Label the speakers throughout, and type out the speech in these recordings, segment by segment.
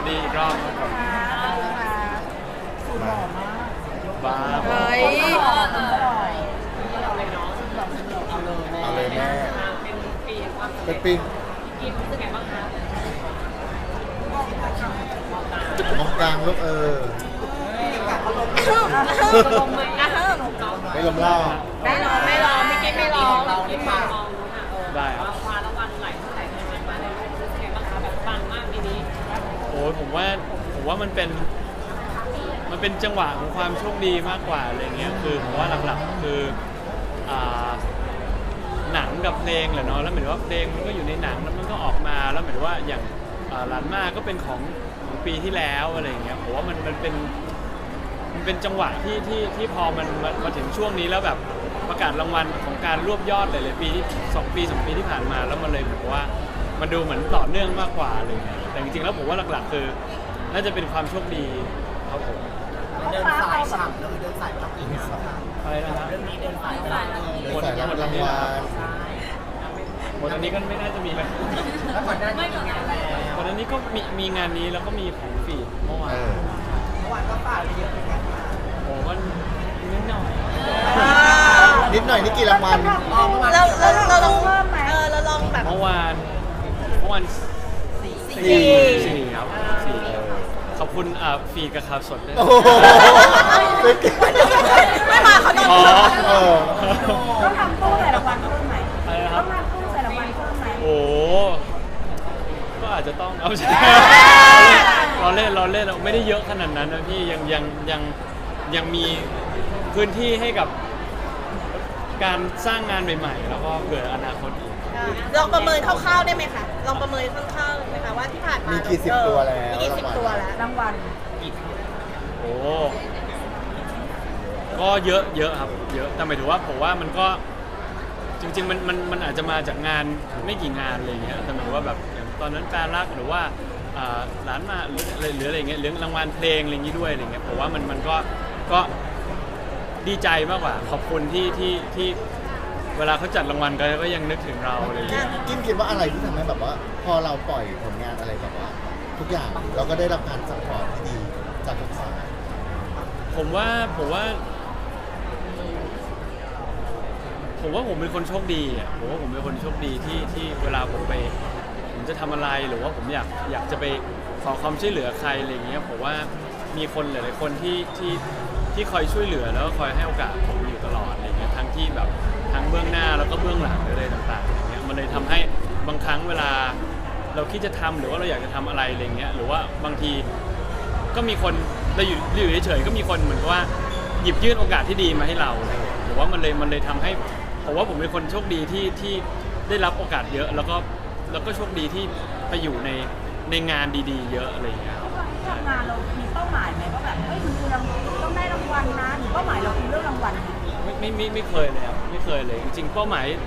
Speaker 1: ดีอีกรอบครับผมบ้า
Speaker 2: เฮ้ย
Speaker 3: เอาเลยแม่เป็นปีมองกลางลูกไม่ลมเล่า
Speaker 2: ไม่ร้องไม่กินไม่ร้อง
Speaker 1: ได้ครับโอ้ยผมว่ามันเป็นจังหวะของความโชคดีมากกว่าอะไรเงี้ยคือผมว่าหลักๆคือหนังกับเพลงแหละเนาะแล้วเหมือนว่าเพลงมันก็อยู่ในหนังแล้วมันก็ออกมาแล้วเหมือนว่าอย่างหลานมากก็เป็นของปีที่แล้วอะไรเงี้ยผมว่ามันเป็นจังหวะที่พอมันมาถึงช่วงนี้แล้วแบบประกาศรางวัลของการรวบยอดหลายๆปีที่2 ปีที่ผ่านมาแล้วมันเลยเหมือนว่ามันดูเหมือนต่อเนื่องมากกว่าอะไรเงี้ยแต่จริงๆแล้วผมว่าหลักๆคือน่าจะเป็นความโชคดีครับผม
Speaker 4: เดินสายฉ่ำเลยเดินสายรับอีกนะคะ
Speaker 1: อะไรนะฮะ
Speaker 4: เรื่องนี้เดินสายรับ
Speaker 3: เดินสายรับรางวัล
Speaker 1: หมดอันนี้ก็ไม่น่าจะมีเลย
Speaker 4: แล้วก่อนหน้านี้มีงานแล้ว
Speaker 1: หมดอันนี้ก็มีงานนี้แล้วก็มีของฟีดเมื่อวาน
Speaker 3: เมื่อ
Speaker 4: วันก็ฝ่าไปเยอะเหมือนกัน
Speaker 1: โอ้มันนิดหน่อย
Speaker 3: นิดหน่อยนี่กี่รางวัล
Speaker 2: เราลองเราลองแบบ
Speaker 1: เมื่อวานสี่ครับสี่ขอบคุณฟีดกับข่าวสดด้วย
Speaker 3: โอ้โหเป็นกี่
Speaker 2: ไม่มาเขาต้อง
Speaker 1: อ๋อ
Speaker 5: ต้องทำตู้ใส่รางวัลเพิ่มไหม
Speaker 1: อะไรนะค
Speaker 5: ต้
Speaker 1: รั
Speaker 5: อบ งทำตู้ใส่รางวัลเพิ่มไหม
Speaker 1: โอ้ก็อาจจะต้องเอาใช่เราเล่นเราไม่ได้เยอะขนาดนั้นนะพี่ยังมีพื้นที่ให้กับการสร้างงานใหม่ๆ แล้วก็เผื่ออนาคตอีก
Speaker 2: ลองประเมินคร่าวๆได้ไหมคะลองประเมินคร่าวๆไหมคะว่าที่ผ่านมา
Speaker 3: มี
Speaker 2: มี
Speaker 3: กี่สิบตัวแล้ว
Speaker 2: มีกี่สิบตัวแล้ว
Speaker 5: รางวัล
Speaker 1: โอ้ก็เยอะครับเยอะแต่หมายถึงว่าผมว่ามันก็จริงๆมันอาจจะมาจากงานไม่กี่งานอะไรเงี้ยแต่หมายถึงว่าแบบอย่างตอนนั้นแฟนรักหรือว่าร้านมาหรืออะไรเงี้ยเรื่องรางวัลเพลงอะไรอย่างงี้ด้วยอะไรเงี้ยผมว่ามันก็ดีใจมากกว่าขอบคุณที่เวลาเขาจัดรางวัลก็ยังนึกถึงเราอะไรอย่างเงี้ย
Speaker 3: กินคิดว่าอะไรที่ทำให้แบบว่า พอเราปล่อยผลงานอะไรแบบว่า ทุกอย่างเราก็ได้รับการซัพพอร์ตที่ดีจากทุกฝ่าย
Speaker 1: ผมว่าผมเป็นคนโชคดีอ่ะผมว่าผมเป็นคนโชคดีที่เวลาผมจะทำอะไรหรือว่าผมอยากจะไปขอความช่วยเหลือใครอะไรอย่างเงี้ยผมว่ามีคนหลายๆคนที่คอยช่วยเหลือแล้วก็คอยให้โอกาสผมอยู่ตลอดอะไรเงี้ยทั้งที่แบบทั้งเบื้องหน้าแล้วก็เบื้องหลังหรืออะไรต่างๆอย่างเงี้ยมันเลยทำให้บางครั้งเวลาเราคิดจะทำหรือว่าเราอยากจะทำอะไรอะไรเงี้ยหรือว่าบางทีก็มีคนเราอยู่เฉยๆก็มีคนเหมือนกับว่าหยิบยื่นโอกาสที่ดีมาให้เราหรือว่ามันเลยทำให้ผมว่าผมเป็นคนโชคดีที่ได้รับโอกาสเยอะแล้วก็โชคดีที่ไปอยู่ในงานดีๆ เยอะอะไรอย่างเงี้ยครับ
Speaker 5: ทำงานเรามีเป้าหมายไหมว่าแบบเฮ้ยคุณต้องได้รางวัลนะหรือเป้าหมายเราคือเรื่องรางวัล
Speaker 1: ไม่เคยเลยครับไม่เคยเลยจริงๆเป้าหมาย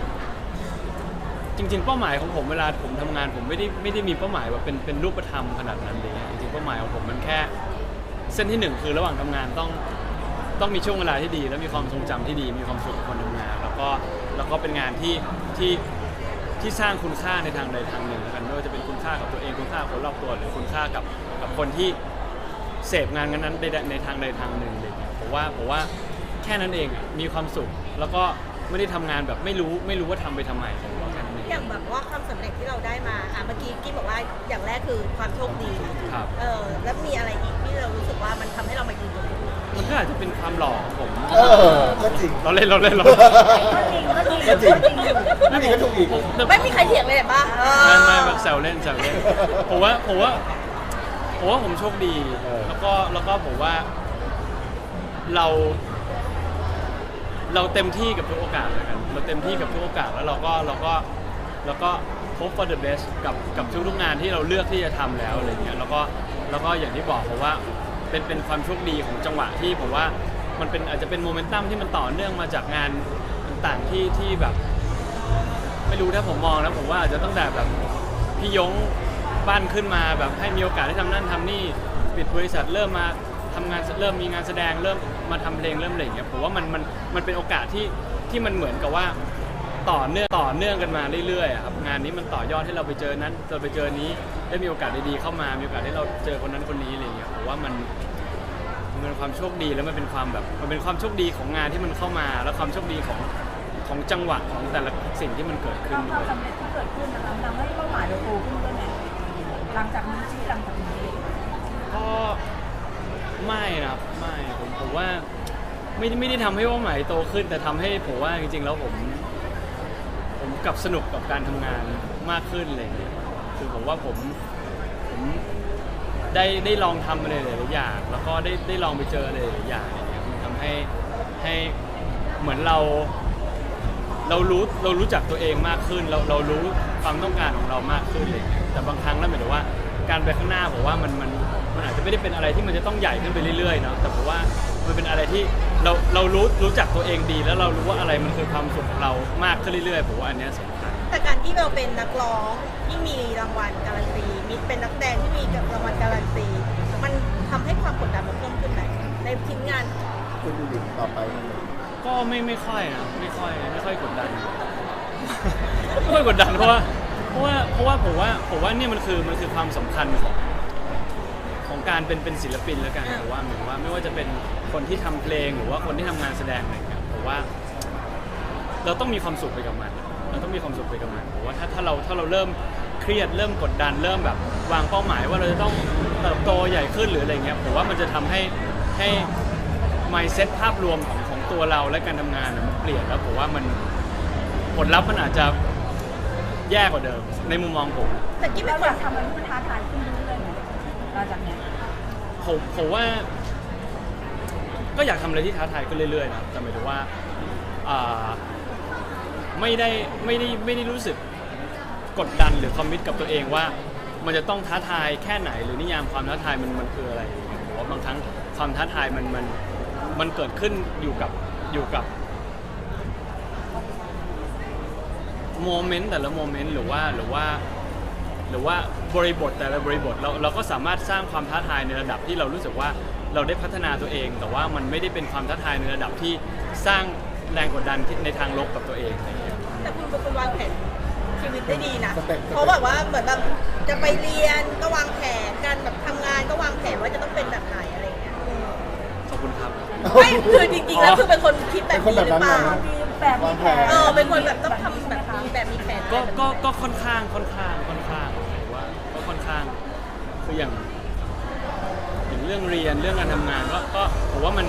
Speaker 1: ของผมเวลาผมทำงานผมไม่ได้มีเป้าหมายว่าเป็นรูปธรรมขนาดนั้นเลยจริงๆเป้าหมายของผมมันแค่เส้นที่หนึ่งคือระหว่างทำงานต้องมีช่วงเวลาที่ดีแล้วมีความทรงจำที่ดีมีความสุขกับคนทำงานแล้วก็เป็นงานที่สร้างคุณค่าในทางใดทางหนึ่งกันไม่ว่าจะเป็นคุณค่ากับตัวเองคุณค่ากับคนรอบตัวหรือคุณค่ากับคนที่เสพงานนั้นในทางใดทางหนึ่งเลยผมว่าแค่นั้นเองมีความสุขแล้วก็ไม่ได้ทำงานแบบไม่รู้ว่าทำไปทำไมผมว่าแค่นั้นเอง
Speaker 2: อย่างแบบว่าความสำเร็จที่เราได้มาเมื่อกี้กิ๊บบอกว่าอย่างแรกคือความโชคดี
Speaker 1: ครับ
Speaker 2: แล้วมีอะไรอีกที่เรารู้สึกว่ามันทำให้เรามายืนตรงนี้
Speaker 1: มันก็อาจจะเป็นความหล่อของผม
Speaker 3: ก็จริง
Speaker 1: เราเล่น
Speaker 3: ก็จริงก็จริงก็ถูกอีก
Speaker 2: ไม่มีใครเถียงเลยเห็นปะ
Speaker 1: ไม่แซวเล่นผมว่าผมโชคดีแล้วก็ผมว่าเราเต็มที่กับทุกโอกาสเลยกันเราเต็มที่กับทุกโอกาสแล้วเราก็ hope for the best กับทุกงานที่เราเลือกที่จะทำแล้วอะไรเงี้ยแล้วก็อย่างที่บอกผมว่าเป็นความโชคดีของจังหวะที่ผมว่ามันอาจจะเป็นโมเมนตัมที่มันต่อเนื่องมาจากงานต่างๆที่แบบไม่รู้ถ้าผมมองนะผมว่าอาจจะตั้งแต่แบบพี่ยงปั้นขึ้นมาแบบให้มีโอกาสได้ทำนั่นทำนี่ปิดบริษัทเริ่มมาทำงานเริ่มมีงานแสดงเริ่มมาทำเพลงเริ่มอะไรอย่างเงี้ยผมว่ามันเป็นโอกาสที่มันเหมือนกับว่าต่อเนื่องกันมาเรื่อยๆอะครับงานนี้มันต่อยอดให้เราไปเจอนั้นเราไปเจอนี้ได้มีโอกาสดีๆเข้ามามีโอกาสให้เราเจอคนนั้นคนนี้อะไรเงี้ยผมว่ามันเป็นความโชคดีแล้วมันเป็นความโชคดีของงานที่มันเข้ามาแล้วความโชคดีของจังหวะของแต่ละสิ่งที่มันเกิดขึ้น
Speaker 5: ความสำเร็จที่เกิดขึ้นนะคะทำให้เป้าหมายเราโตขึ้นด้วยไหมหลังจากนี้
Speaker 1: ก็ไม่นะครับไม่ผมว่าไม่ได้ทำให้เป้าหมายโตขึ้นแต่ทำให้ผมว่าจริงๆแล้วผมกลับสนุกกับการทำงานมากขึ้นอะไรอย่างเงี้ยคือผมว่าผมได้ลองทำอะไรหลายๆอย่างแล้วก็ได้ลองไปเจออะไรหลายๆอย่างอะไรเงี้ยมันทำให้เหมือนเรารู้จักตัวเองมากขึ้นเรารู้ความต้องการของเรามากขึ้นเลยแต่บางครั้งแล้วหมายถึงว่าการไปข้างหน้าผมว่ามันอาจจะไม่ได้เป็นอะไรที่มันจะต้องใหญ่ขึ้นไปเรื่อยๆเนาะแต่ผมว่ามันเป็นอะไรที่เรารู้จักตัวเองดีแล้วเรารู้ว่าอะไรมันคือความสุขของเรามากขึ้นเรื่อยๆผมว่าอันเนี้ยสำคัญ
Speaker 2: แต่การที่เราเป็นนักร้องที่มีรางวัลการันตีมีเป็นนักแสดงที่มีรางวัลการันตีมันทำให้ความกดดันมันเพิ่มขึ้นไหมในทีมงาน
Speaker 3: คุณดูดิต่อไป
Speaker 1: ก็ไม่ค่อยนะไม่ค่อยกดดัน ไม่ค่อยกดดันเพราะว่าผมว่าเนี่ยมันคือความสำคัญของการเป็นศิลปินแล้วกันผมว่าเหมือนว่าไม่ว่าจะเป็นคนที่ทำเพลงหรือว่าคนที่ทำงานแสดงอะไรอย่างเงี้ยผมว่าเราต้องมีความสุขไปกับมันเราต้องมีความสุขไปกับมันผมว่าถ้าเราเริ่มเครียดเริ่มกดดันเริ่มแบบวางเป้าหมายว่าเราจะต้องเติบโตใหญ่ขึ้นหรืออะไรเงี้ยผมว่ามันจะทำให้ mindset ภาพรวมของตัวเราและการทำงานมันเปลี่ยนแล้วผมว่ามันผลลัพธ์มันอาจจะแย่กว่าเดิมในมุมมองผม
Speaker 2: แต่กิ๊บเป็
Speaker 5: เรา
Speaker 2: นค
Speaker 5: อน ยากทำอะไรที่มันท้าทายขึ้นเรื่อยๆไหมหลังจากเนี้ย
Speaker 1: ผมว่าก็อยากทำอะไรที่ท้าทายขึ้นเรื่อยๆนะแต่หมายถึงว่าไม่ได้รู้สึกกดดันหรือคอมมิตกับตัวเองว่ามันจะต้องท้าทายแค่ไหนหรือนิยามความท้าทายมันคืออะไรผมว่าบางครั้งความท้าทายมันเกิดขึ้นอยู่กับโมเมนต์แต่ละโมเมนต์หรือว่าบริบทแต่ละบริบทเราก็สามารถสร้างความท้าทายในระดับที่เรารู้สึกว่าเราได้พัฒนาตัวเอง แต่ว่ามันไม่ได้เป็นความท้าทายในระดับที่สร้างแรงกดดันในทางลบกับตัวเองอะไรอย่างเงี้ย
Speaker 2: แต่คุณเป็นคนวางแผนชีวิตได้ดีนะเพราะแบบว่าเหมือนแบบจะไปเรียนก็วางแผนการแบบทำงานก็วางแผนว่าจะต้องเป็นแบบไหนอะไรอย่างเงี้ย
Speaker 1: ขอบคุณครับ
Speaker 2: ไม่คือจริงๆแล้วคือเป็นคนคิดแบบนี้หรือเปล่า
Speaker 5: มีแบบมีแผน
Speaker 2: เป็นคนแบบต้องทำแบบมีแบบมีแผน
Speaker 1: ก็ค่อนข้างผมว่าก็ค่อนข้างคืออย่างเรื่องเรียนเรื่องการทำงานก็ผมว่า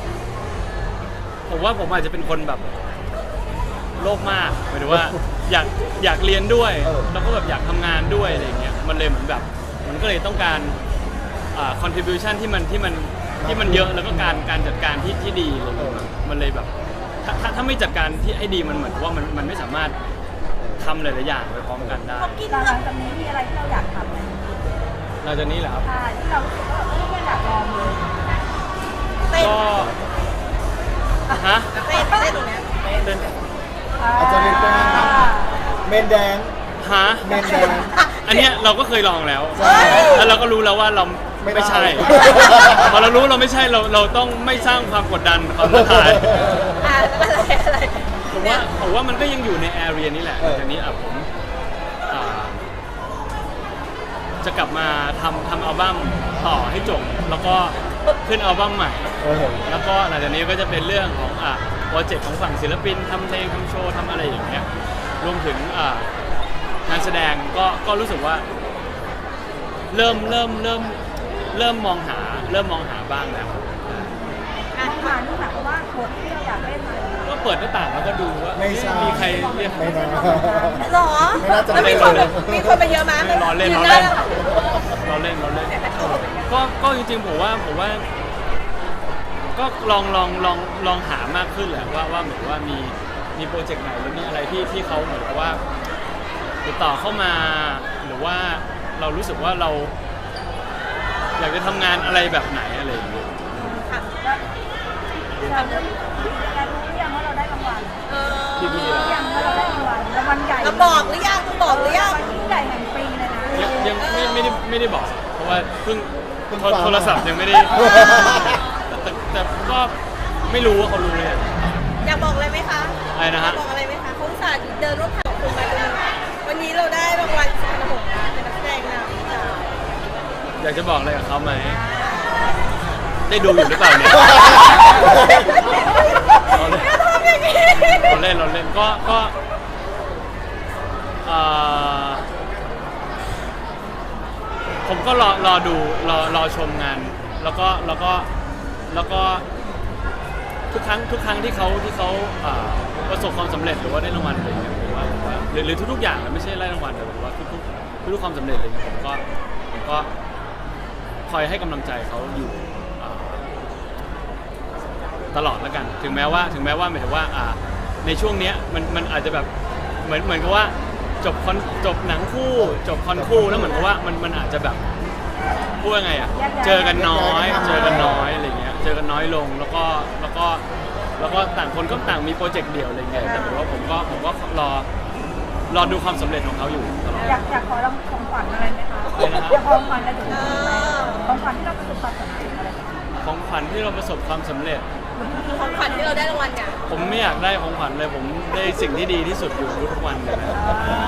Speaker 1: ผมอาจจะเป็นคนแบบโลภมากหมายถึงว่าอยากเรียนด้วยแล้วก็แบบอยากทำงานด้วยอะไรอย่างเงี้ยมันเลยเหมือนแบบมันก็เลยต้องการcontribution ที่มันเยอะแล้วก็การจัดการที่ดีอะไรอย่างเงี้ยมันเลยแบบถ้าไม่จัดการที่ให้ดีมันเหมือนว่ามันไม่สามารถทำหลายๆอย่างไปพร้อมกันได้
Speaker 5: หลังจากนี้มีอะไรที่เราอยากทำไหม
Speaker 1: หลังจากนี้เหรอครับ
Speaker 5: ใช่ที่เรารู้สึกว่าไม่อยากลองเลย
Speaker 2: เต้น
Speaker 1: ก็ฮะ
Speaker 2: เต้นตรงเนี้ย
Speaker 1: เต้น
Speaker 3: อาจจะเป็นตัวนั้นเมนแดง
Speaker 1: ฮะ
Speaker 3: เมนแดง
Speaker 1: อันเนี้ยเราก็เคยลองแล้ว
Speaker 3: ใช่
Speaker 1: แล้วเราก็รู้แล้วว่าเราไม่ใช่ พอเรารู้เราไม่ใช่เราต้องไม่สร้างความกดดันความท้าทาย
Speaker 2: อะไร
Speaker 1: ผมว่ามันก็ยังอยู่ในแอเรียนี้แหละหลังจากนี้ผมจะกลับมาทำอัลบั้มต่อให้จบแล้วก็ขึ้นอัลบั้มใหม่ แล้วก็หลังจากนี้ก็จะเป็นเรื่องของโปรเจกต์ของฝั่งศิลปินทำเพลงทำโชว์ทำอะไรอย่างเงี้ยรวมถึงงานแสดงก็รู้สึกว่าเริ่มมองหาบ้างแล้ว
Speaker 5: ต้องมานี่หมายความว่าบทที่เราอยากเล่นมา
Speaker 1: ก็เปิดหน้าต่างแล้วก็ดูว่า
Speaker 3: ไม่ใช่
Speaker 1: มีใครเรียก
Speaker 3: ไม่นะ
Speaker 2: หรอ
Speaker 3: ไม่น่าจะ
Speaker 2: แล้วมีคนแบบมีคนมาเยอะมั้ย
Speaker 1: รอเล่น
Speaker 2: ยื
Speaker 1: รอ
Speaker 2: ได้
Speaker 1: เล่นรอเล่นก็จริงๆผมว่าก็ลองหามากขึ้นแหละว่าเหมือนว่ามีโปรเจกต์ไหนหรือมีอะไรที่เขาเหมือนกับว่าติดต่อเข้ามาหรือว่าเรารู้สึกว่าเราอยากจะทำงานอะไรแบบไหนอะไรอย่างเงี้ย
Speaker 2: ค่ะ
Speaker 5: เราเริ่มการรู้หรือยังว่าเราได้รางวัล
Speaker 1: พี่ๆ
Speaker 5: รู้ยังว่าเราได้รางวัลใหญ่
Speaker 2: เราบอกหรือยังมึงบอกหรือยัง
Speaker 5: รางวัลยิ่งใหญ่แห่งปีเลยนะ
Speaker 1: ยังไม่ได้บอกเพราะว่าเพิ่งโทรศัพท์ยังไม่ได้แต่ก็ไม่รู้ว่าเขารู้เลย
Speaker 2: อยากบอกอะไรไหมคะ
Speaker 1: อะไรนะฮะ
Speaker 2: บอกอะไรไหมคะเขาอุตส่าค่ะเดินรถผ่านคุณมาจนวันนี้เราได้รางวัลสุพรรณหงส์นะเป็นนักแสดงนำจาก
Speaker 1: อยากจะบอกอะไรกับเขาไหมได้ดูอยู่หรือเปล่าเนี่ย เราเล่นก็ผมก็รอดูรอชมงานแล้วก็ทุกครั้งที่เขาประสบความสำเร็จหรือว่าได้รางวัลอะไรอย่างเงี้ยผมว่าหรือทุกๆอย่างไม่ใช่ได้รางวัลแต่ผมว่าทุกความสำเร็จอะไรเงี้ยผมก็คอยให้กำลังใจเขาอยู่ตลอดแล้วกันถึงแม้ว่าหมายถึงว่าในช่วงเนี้ยมันอาจจะแบบเหมือนกับว่าจบหนังคู่จบคอนคู่แล้วเหมือนกับว่ามันอาจจะแบบพูดยังไงเจอกันน้อยอะไรเงี้ยเจอกันน้อยลงแล้วก็ต่างคนก็ต่างมีโปรเจกต์เดี่ยวอะไรเงี้ยแต่ผมก็รอดูความสำเร็จของเขาอยู่ตลอด
Speaker 5: อยากขอเราของขวัญอะไรไหมคะอยากของขวัญอะไรถึงไหมของขวัญที่เราประสบความสำเร็จอะไร
Speaker 1: ของขวัญที่เราประสบความสำเร็จ
Speaker 2: ของขวัญที่เราได้รางวัลเนี่ย
Speaker 1: ผมไม่อยากได้ของขวัญเลยผมได้สิ่งที่ดีที่สุดอยู่ทุกวันเลยนะ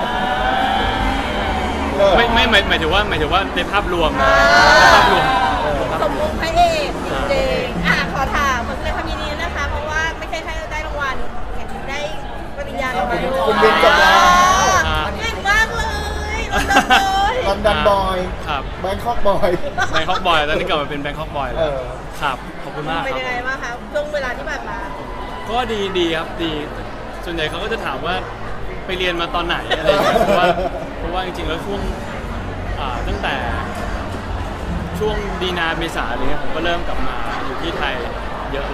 Speaker 1: ไม่หมายถึงว่าในภาพรวมในภาพรวม
Speaker 2: สมมุติพระเอกจริงขอถามขอแสดงความยินดีนะคะ เพราะว่าไม่ใช่แค่ได้รางวัลได้ปริญญาเรามาด้วย
Speaker 3: คุณเรียนจบแล้ว
Speaker 2: เก่งมากเลยลอนดอนเลย
Speaker 3: ลอนดอนบอย
Speaker 1: ครับ
Speaker 3: แบงคอกบอย
Speaker 1: แบงคอกบอยตอนนี้กลับมาเป็นแบงคอกบอยแล้วครับขอบคุณมาก
Speaker 2: เป็น
Speaker 1: ครับ
Speaker 2: ยังไงบ้างคะช่วงเวลาที่ผ่านมา
Speaker 1: ก็ดีครับดีส่วนใหญ่เขาก็จะถามว่าไปเรียนมาตอนไหนอะไรอย่างเงี้ยเพราะว่าจริงๆแล้วช่วงตั้งแต่ช่วงมีนาเมษาอะไรเงี้ยผมก็เริ่มกลับมาอยู่ที่ไทยเยอะ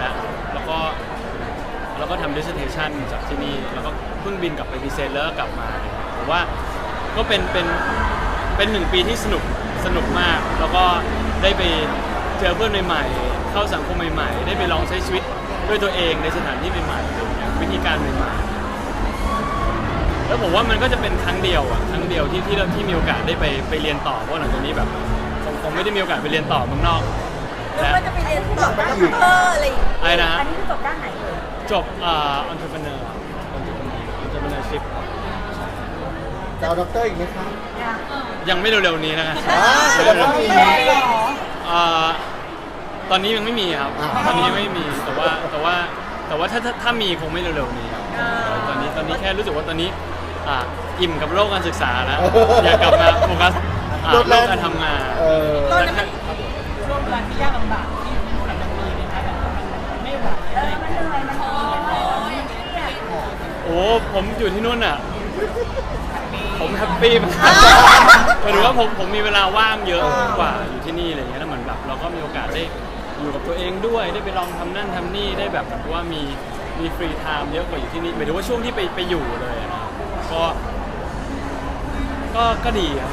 Speaker 1: แล้วก็ทำ dissertation จากที่นี่แล้วก็เพิ่งบินกลับไปพรีเซนต์แล้วก็กลับมาผมว่าก็เป็น1 ปีที่สนุกมากแล้วก็ได้ไปเจอเพื่อนใหม่ๆเข้าสังคมใหม่ๆได้ไปลองใช้ชีวิตด้วยตัวเองในสถานที่ใหม่ๆอะไรอย่างเงี้ยวิธีการใหม่ๆแล้วผมว่ามันก็จะเป็นครั้งเดียวที่มีโอกาสได้ไปเรียนต่อเพราะหลังจากนี้แบบผมไม่ได้มีโอกาสไปเรียนต่อเมืองนอก
Speaker 2: แล้วก็จะไปเรียนต่อด็อกเตอร์อะไรอย่างเงี้ย
Speaker 1: อะไรนะฮะ
Speaker 5: อันนี้คือจบด้านไหนเลย
Speaker 1: จบentrepreneurship
Speaker 3: จะเอาด็อกเตอร์อีกไหมคะ
Speaker 1: ยังไม่เร็วๆนี้นะครับ
Speaker 3: แต่ก็มี
Speaker 1: ตอนนี้ยังไม่มีครับ ตอนนี้ไม่มีแต่ว่าถ้ามีคงไม่เร็วๆนี้ครับตอนนี้แค่รู้สึกว่าตอนนี้อิ่มกับโลกการศึกษาแล้วอยากกลับมาโฟกัสโลกการทำงาน
Speaker 2: ตอนนั้น
Speaker 4: ช่วงเวลาที่ยากลำบากที่นู่นมันมีไหมคะแบบมันไม่ไหวอะไร
Speaker 5: มันเหนื่อยมันท้อ
Speaker 1: โอ้ผมอยู่ที่นู่นอ่ะผมแฮปปี้มากหมายถึงว่าผมมีเวลาว่างเยอะกว่าอยู่ที่นี่อะไรอย่างเงี้ยแล้วเหมือนแบบเราก็มีโอกาสได้อยู่กับตัวเองด้วยได้ไปลองทำนั่นทำนี่ได้แบบว่ามีฟรีไทม์เยอะกว่าอยู่ที่นี่หมายถึงว่าช่วงที่ไปอยู่เลยนะก็ดีครับ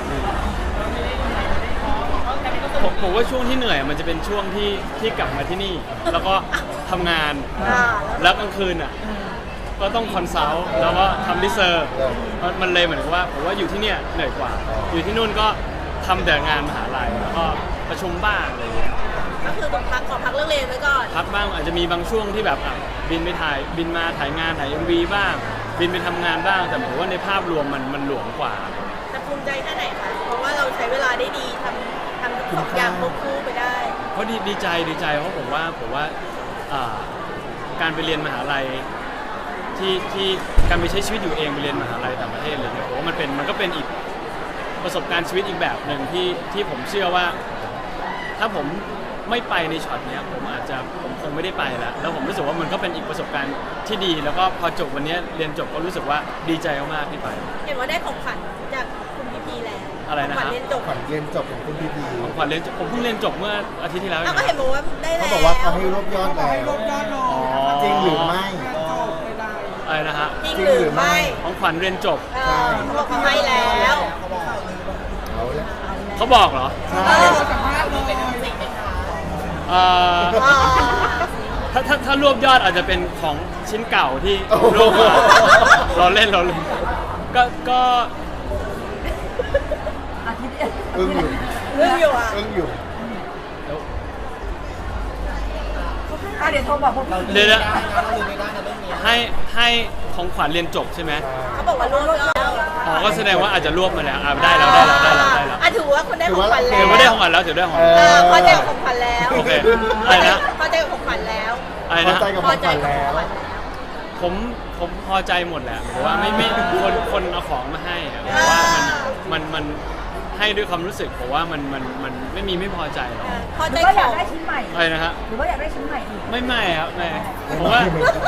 Speaker 1: ผมว่าช่วงที่เหนื่อยมันจะเป็นช่วงที่กลับมาที่นี่แล้วก็ทำงานแล้วกลางคืนอ่ะก็ต้องคอนซัลท์แล้วก็ทำรีเสิร์ชมันเลยเหมือนกับว่าผมว่าอยู่ที่เนี่ยเหนื่อยกว่าอยู่ที่นู่นก็ทำแต่งานมหาลัยแล้วก็ประชุมบ้างอะไรอย่างเงี้ย
Speaker 2: ก็คือต้องขอพักเรื่องเรียนไว้ก่อน
Speaker 1: พักบ้างอาจจะมีบางช่วงที่แบบบินมาถ่ายงานถ่าย MV บ้าง บินไปทำงานบ้างแต่ผมว่าในภาพรวมมันหลวมกว่า
Speaker 2: แต่ภูมิใจแค่ไหนคะเพราะว่าเราใช้เวลาได้ดีทำทั้งสองอย่างควบคู่ไปได้
Speaker 1: เพราะดีใจเพราะผมว่าการไปเรียนมหาลัยที่การไปใช้ชีวิตอยู่เองไปเรียนมหาลัยต่างประเทศเลยเนี่ยผมว่ามันก็เป็นอีกประสบการณ์ชีวิตอีกแบบหนึ่งที่ผมเชื่อว่าถ้าผมไม่ไปในช็อตเนี้ยผมคงไม่ได้ไปแล้วผมรู้สึกว่ามันก็เป็นอีกประสบการณ์ที่ดีแล้วก็พอจบวันนี้เรียนจบก็รู้สึกว่าดีใจมากๆที่ไป
Speaker 2: เห็นว่าได้ของขวัญจากคุณพี่พีแล้ว
Speaker 1: อะไรนะ
Speaker 2: ขวัญ
Speaker 1: ครับ
Speaker 2: เรียนจบ
Speaker 3: ขวัญเรียนจบของคุณพีพี
Speaker 1: ของขวัญเรียนจบผมเพิ่งเรียนจบเมื่ออาทิตย์ที่แล้วเอ
Speaker 2: อ้าว
Speaker 1: ง
Speaker 2: ก็เห็นบอกว่าได้แล้ว
Speaker 3: เขาบอกว่าเขาให้รวบยอดแล้ว
Speaker 1: อ๋อ
Speaker 3: จริงหรือไม่
Speaker 1: อะไรนะฮะ
Speaker 2: จริงหรือไม่
Speaker 1: ของขวัญเรียนจบ
Speaker 2: เขาบอกเขาให้แล้ว
Speaker 3: เอาละ
Speaker 1: เขาบอกเหรอ
Speaker 3: ใช่
Speaker 1: ถ้ารวบยอดอาจจะเป็นของชิ้นเก่าที่รวบมาเราเล่นก็
Speaker 5: อาทิตย์
Speaker 3: อึ้งอยู่
Speaker 2: เรื่องอยู่อ่ะ
Speaker 3: อึ้งอยู่
Speaker 5: เดี๋เดี๋ยวโทรบอกพวก
Speaker 1: เดี๋ยวนะ
Speaker 4: เราลืมไม่ได้นะเรื่องนี้
Speaker 1: ให้ของขวัญเรียนจบใช่ไหม
Speaker 2: เขาบอกว่าร่วมแล้ว
Speaker 1: อ๋อก็แสดงว่าอาจจะรวบมาแล้วได้แล้วได้แล้วได้แล้วได้แล้ว
Speaker 2: อ่ะถือว่าคุณได้ของขวัญแล้ว
Speaker 1: เดี๋ยวไม่ได้ของขวัญแล้วเดี๋ยวได้ของขวัญ
Speaker 2: พอใจกับของขวัญแล้ว
Speaker 1: โอเคอะไรนะ
Speaker 2: พอใจกับของขวัญแล้ว
Speaker 1: อะไร
Speaker 3: พอ
Speaker 1: นะ
Speaker 3: ใจกับ
Speaker 2: พ
Speaker 3: ข
Speaker 2: อ
Speaker 3: อง
Speaker 2: ใจ
Speaker 3: ขวัญ
Speaker 2: กับของ
Speaker 3: แล้ว
Speaker 2: ขวัญแล้ว
Speaker 1: ผมพอใจหมดแหละผมว่าไม่คนเอาของมาให้อะผมว่ามันให้ด้วยความรู้สึกผมว่ามันไม่พอใจหรอก
Speaker 2: พอ
Speaker 5: ห
Speaker 2: ใจ
Speaker 5: รือว่า
Speaker 2: ข
Speaker 5: อยาก
Speaker 2: อง
Speaker 5: ได้ชิ้นใหม่
Speaker 1: อะไรนะฮะ
Speaker 5: หรือว่าอยากได้ชิ้นใหม่อีก
Speaker 1: ไม่ครับไม่ผมว่า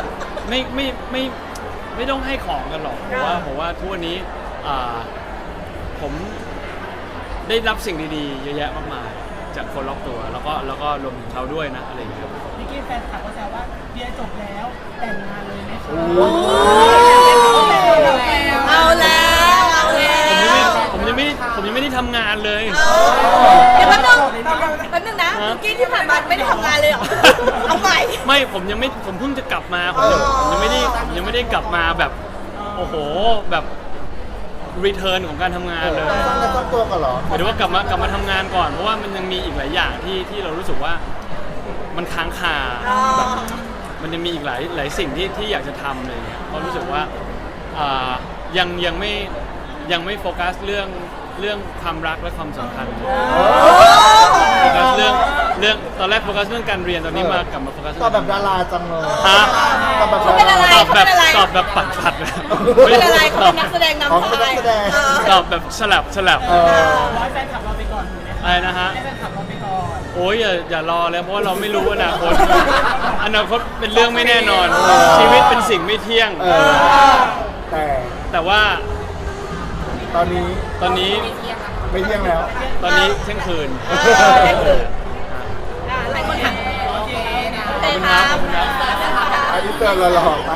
Speaker 1: ไม่ต้องให้ของกันหรอกผมว่าทุกวันนี้ผมได้รับสิ่งดีๆเยอะแยะมากมายจากคนรอบตัวแล้วก็รวมถึงเขาด้วยนะอะไรอย่างเงี้ยครับ
Speaker 4: พี่กี้แฟนคลับก็แซวว่าเรียนจบแล้วแต่งงานเลยไหมคะ
Speaker 2: เอาแล้วเอาแล้ว
Speaker 1: ผมยังไม่ได้ทำงานเลย
Speaker 2: เดี๋ยวแป๊บนึงนะเมื่อกี้ที่ผ่านมาไม่ได้ทำงานเลยเหรอเอาใหม่
Speaker 1: ไม่ผมเพิ่งจะกลับมาผมยังไม่ได้กลับมาแบบโอ้โหแบบรีเทิร์นของการทำงานเลย
Speaker 3: สร้างเนื้อสร้างตัวกันเหรอ
Speaker 1: หมายถึงว่ากลับมาทำงานก่อนเพราะว่ามันยังมีอีกหลายอย่างที่เรารู้สึกว่ามันค้างคาแบบมันจะมีอีกหลายสิ่งที่อยากจะทำอะไรเงี้ยเพราะรู้สึกว่ายังไม่โฟกัสเรื่องความรักและความสัมพันธ์โฟกัสเรื่องตอนแรกโฟกัสเรื่องการเรียนตอนนี้กลับมาโฟกัส
Speaker 3: ตอบแบบดาราจังเลย
Speaker 1: ฮะ
Speaker 3: ตอบแบบ
Speaker 2: เขาเป็นอะไร
Speaker 1: ตอบแบบปัดๆ
Speaker 2: เขาเป็นอะไรเขาเป็นนักแสดงนำ
Speaker 3: เขาเป็นนักแสดง
Speaker 1: ตอบแบบสลับ
Speaker 4: ร้อยแฟนคลับเราไปก่อนถูกไหมคะ
Speaker 1: อะไรนะฮะ
Speaker 4: ให้แฟนคลับเราไปก่อน
Speaker 1: โอ้ยอย่ารอเลยเพราะว่าเราไม่รู้อนาคต อนาคตเป็นเรื่องไม่แน่นอน ชีวิตเป็นสิ่งไม่เที่ยง แต่ว่า
Speaker 3: ตอนนี้
Speaker 1: ตอนนี้
Speaker 3: ไม่เที่ยงแล้ว
Speaker 1: ตอนนี้เที่ยงคืน
Speaker 2: หลายคนถาม
Speaker 4: โอเคนะ
Speaker 2: โอเคครับ
Speaker 3: อันนี้เตือนเราหรอ